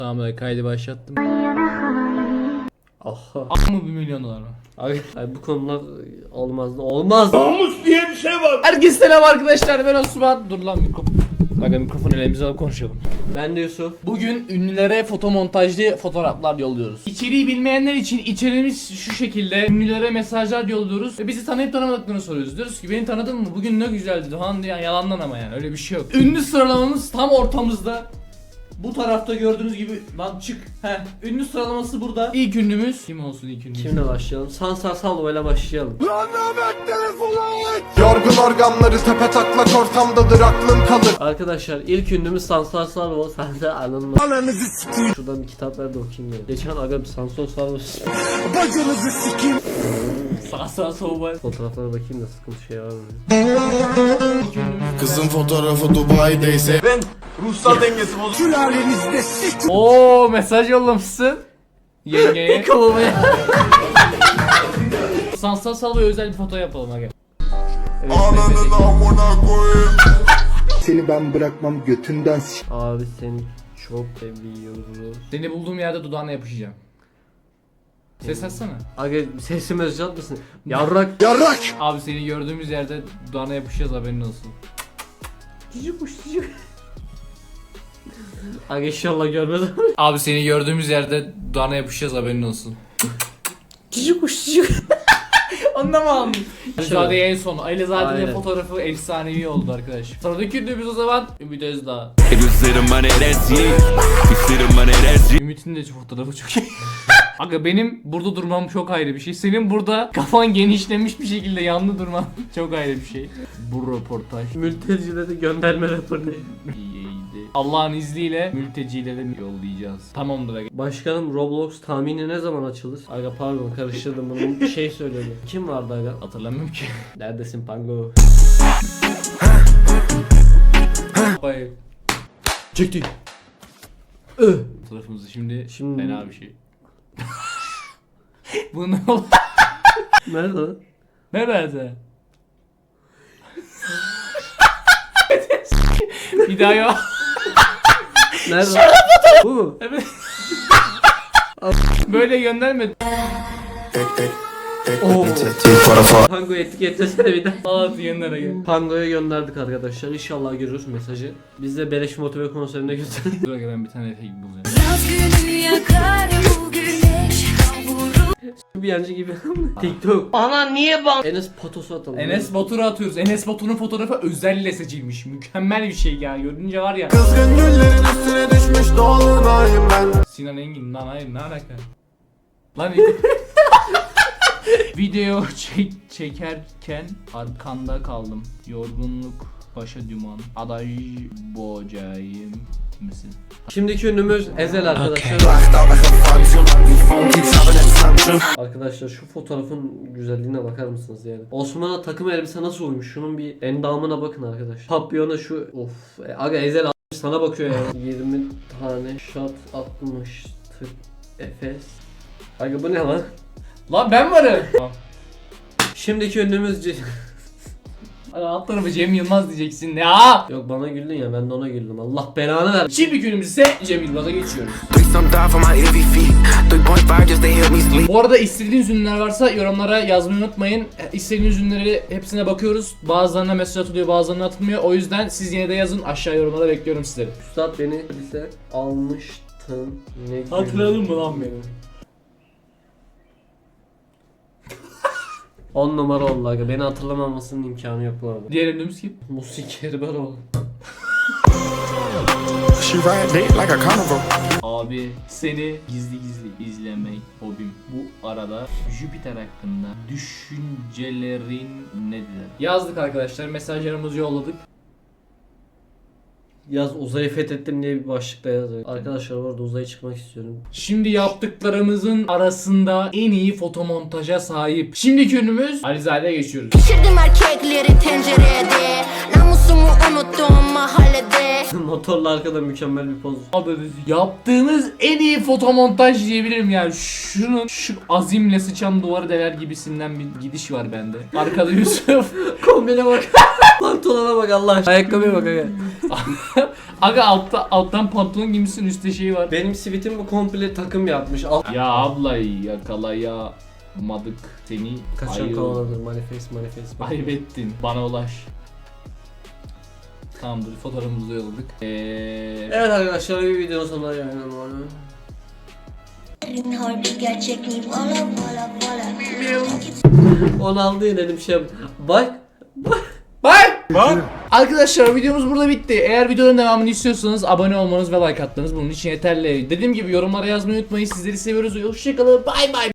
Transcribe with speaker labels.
Speaker 1: Tamam, kaydı başlattım.
Speaker 2: Aha.
Speaker 1: Mı 1 milyon dolar mı?
Speaker 2: Abi bu konular olmazdı. Olmaz.
Speaker 3: Namus diye bir şey var.
Speaker 1: Herkese selam arkadaşlar, ben Osman. Dur lan mikrofon. Aga mikrofonu elimize alıp konuşalım.
Speaker 2: Ben de Yusuf.
Speaker 1: Bugün ünlülere fotomontajlı fotoğraflar yolluyoruz. İçeriği bilmeyenler için içeriğimiz şu şekilde: ünlülere mesajlar yolluyoruz ve bizi tanıyıp tanımadıklarını soruyoruz. Diyoruz ki beni tanıdın mı? Bugün ne güzeldi falan diye, yalandan ama yani öyle bir şey yok. Ünlü sıralamamız tam ortamızda. Bu tarafta gördüğünüz gibi lan çık. Ünlü sıralaması burada. İlk ünlümüz kim olsun ilk ünlümüz?
Speaker 2: Kimle başlayalım? Sansar Salvo ile başlayalım.
Speaker 4: Yorgun organları tepe taklak ortamdadır aklın kalır.
Speaker 2: Arkadaşlar ilk ünlümüz Sansar Salvo. Sen de anladın. Şuradan bir kitap ver de okuyayım ya. Geçen aga Sansar Salvo
Speaker 4: Bacınızı sikeyim.
Speaker 1: Sağ soğuk.
Speaker 2: fotoğraflara bakayım da sıkıntı şey var mı?
Speaker 4: Kızın fotoğrafı Dubai'deyse ben ruhsal dengesi bozuk. Sülalenizde sik.
Speaker 1: Oo, mesaj yollamışsın yengeye.
Speaker 2: Kovamaya.
Speaker 1: Sansar Salvo'ya özel bir foto yapalım aga.
Speaker 2: Evet,
Speaker 4: Ananın amına koyayım.
Speaker 5: Seni ben bırakmam götünden s***.
Speaker 2: abi seni çok seviyoruz.
Speaker 1: Seni bulduğum yerde dudağına yapışacağım. Ses açsana.
Speaker 2: Aga sesimi özcat mısın? Yarrak.
Speaker 4: Yarrak.
Speaker 1: Abi seni gördüğümüz yerde dudağına yapışacağız, haberin olsun.
Speaker 2: Cici kuş cici. Aga inşallah görmez.
Speaker 1: Abi seni gördüğümüz yerde dudağına yapışacağız, haberin olsun.
Speaker 2: Cici kuş cici.
Speaker 1: Onu da mı aldın? Alizade'ye en son.
Speaker 2: Aynen.
Speaker 1: Alizade'nin fotoğrafı efsanevi oldu arkadaş. Sıradaki ünlümüz o zaman Ümit Özdağ. Ümit'in de fotoğrafı çok iyi. Aga benim burada durmam çok ayrı bir şey. Senin burada kafan genişlemiş bir şekilde yanlı durman çok ayrı bir şey. Bu röportaj
Speaker 2: Mültecilere gönderme raporu.
Speaker 1: iyiydi. Allah'ın izniyle mültecilere yollayacağız. Tamamdır aga.
Speaker 2: Başkanım Roblox tahmini ne zaman açılır? Aga pardon karıştırdım bunu, bir şey söyledi. Kim vardı aga?
Speaker 1: Hatırlamıyorum ki.
Speaker 2: Neredesin Pango?
Speaker 1: Hayır.
Speaker 2: Çekti.
Speaker 1: Fotoğrafımızı şimdi
Speaker 2: Şimdi-
Speaker 1: fena bir şey. Bu ne oldu?
Speaker 2: Nerede lan?
Speaker 1: Nerede? Bir daha yok.
Speaker 2: Nerede? Bu mu?
Speaker 1: Evet. Böyle gönderme.
Speaker 2: Oo. Pango'yu etiketlesene bir de.
Speaker 1: Al gönder aga.
Speaker 2: Pango'ya gönderdik arkadaşlar. İnşallah görürüz mesajı. Biz de Beleş Motive konserine götürelim.
Speaker 1: Dur aga, ben bir tane efekt bulacağım.
Speaker 6: Yaz günü yakar bu güneş kavurur.
Speaker 2: Bir yancı gibi. TikTok. Ana niye bak? Enes Patos'u atalım.
Speaker 1: Enes Batur'u atıyoruz. Enes Batur'un fotoğrafı özelle seçilmiş. Mükemmel bir şey ya. Görünce var ya.
Speaker 4: Kızgın güllerin üstüne düşmüş dolunayım ben.
Speaker 1: Sinan Engin lan, hayır ne alaka? Lan video çekerken arkanda kaldım. Yorgunluk başa duman. Aday bocayım mısın?
Speaker 2: Şimdiki ünlümüz Ezel arkadaşlar. Arkadaşlar şu fotoğrafın güzelliğine bakar mısınız yani? Osman'a takım elbise nasıl uymuş? Şunun bir endamına bakın arkadaşlar. Papyona şu of. Aga Ezel sana bakıyor ya. 20 tane shot atmıştık Efes. Aga bu ne lan?
Speaker 1: Lan ben varım.
Speaker 2: Şimdiki ünlümüz
Speaker 1: Alt tarafı Cem Yılmaz diyeceksin ya.
Speaker 2: Yok bana güldün ya, ben de ona güldüm. Allah belanı ver.
Speaker 1: Şimdi günümüz ise Cem Yılmaz'a geçiyoruz. Bu arada istediğiniz ünlüler varsa yorumlara yazmayı unutmayın. İstediğiniz ünlüleri hepsine bakıyoruz. Bazılarına mesaj atılıyor, bazılarına atılmıyor. O yüzden siz yine de yazın, aşağı yorumlara bekliyorum sizleri.
Speaker 2: Üstad beni bize almıştın. Ne
Speaker 1: Hatırladın mı lan beni?
Speaker 2: 10 numara oldu aga. Beni hatırlamamasının imkanı yok bu arada.
Speaker 1: Diğer ünlümüz kim?
Speaker 2: Musik Erbaroğlu.
Speaker 4: She ride dick like a carnival.
Speaker 1: Abi seni gizli gizli izlemek hobim. Bu arada Jüpiter hakkında düşüncelerin nedir? Yazdık arkadaşlar, mesajlarımızı yolladık.
Speaker 2: Yaz uzayı fethettim diye bir başlıkta yazıyor. Arkadaşlar bu arada uzaya çıkmak istiyorum.
Speaker 1: Şimdi yaptıklarımızın arasında en iyi fotomontaja sahip. Şimdiki ünlümüz Alizade'ye geçiyoruz.
Speaker 6: Pişirdim erkekleri tencerede. Namusumu unuttum mahallede.
Speaker 2: Motorla arkada mükemmel bir poz.
Speaker 1: Yaptığınız en iyi fotomontaj diyebilirim yani. Şunun şu azimle sıçan duvarı deler gibisinden bir gidiş var bende. Arkada Yusuf.
Speaker 2: Kombine bak. Pantolona bak Allah aşkına. Ayakkabıya bak aga.
Speaker 1: Aga alttan pantolon giymişsin, üstte şey var.
Speaker 2: Benim sivitim bu komple takım yapmış. Alt
Speaker 1: Ya ablayı yakalayamadık seni.
Speaker 2: kaçan
Speaker 1: Ayı-
Speaker 2: kanaldır. Manifest.
Speaker 1: Kaybettin. Bana ulaş. Tamamdır, fotoğrafımızı yolladık.
Speaker 2: Evet arkadaşlar, bir videonun sonuna geldim.
Speaker 6: Harbi gerçek mi? Valla.
Speaker 2: Onu aldı yine bir şey yap. Bak.
Speaker 1: Bye. Arkadaşlar videomuz burada bitti. Eğer videonun devamını istiyorsanız abone olmanız ve like atmanız bunun için yeterli. Dediğim gibi yorumlara yazmayı unutmayın. Sizleri seviyoruz. Hoşçakalın. Bay bay.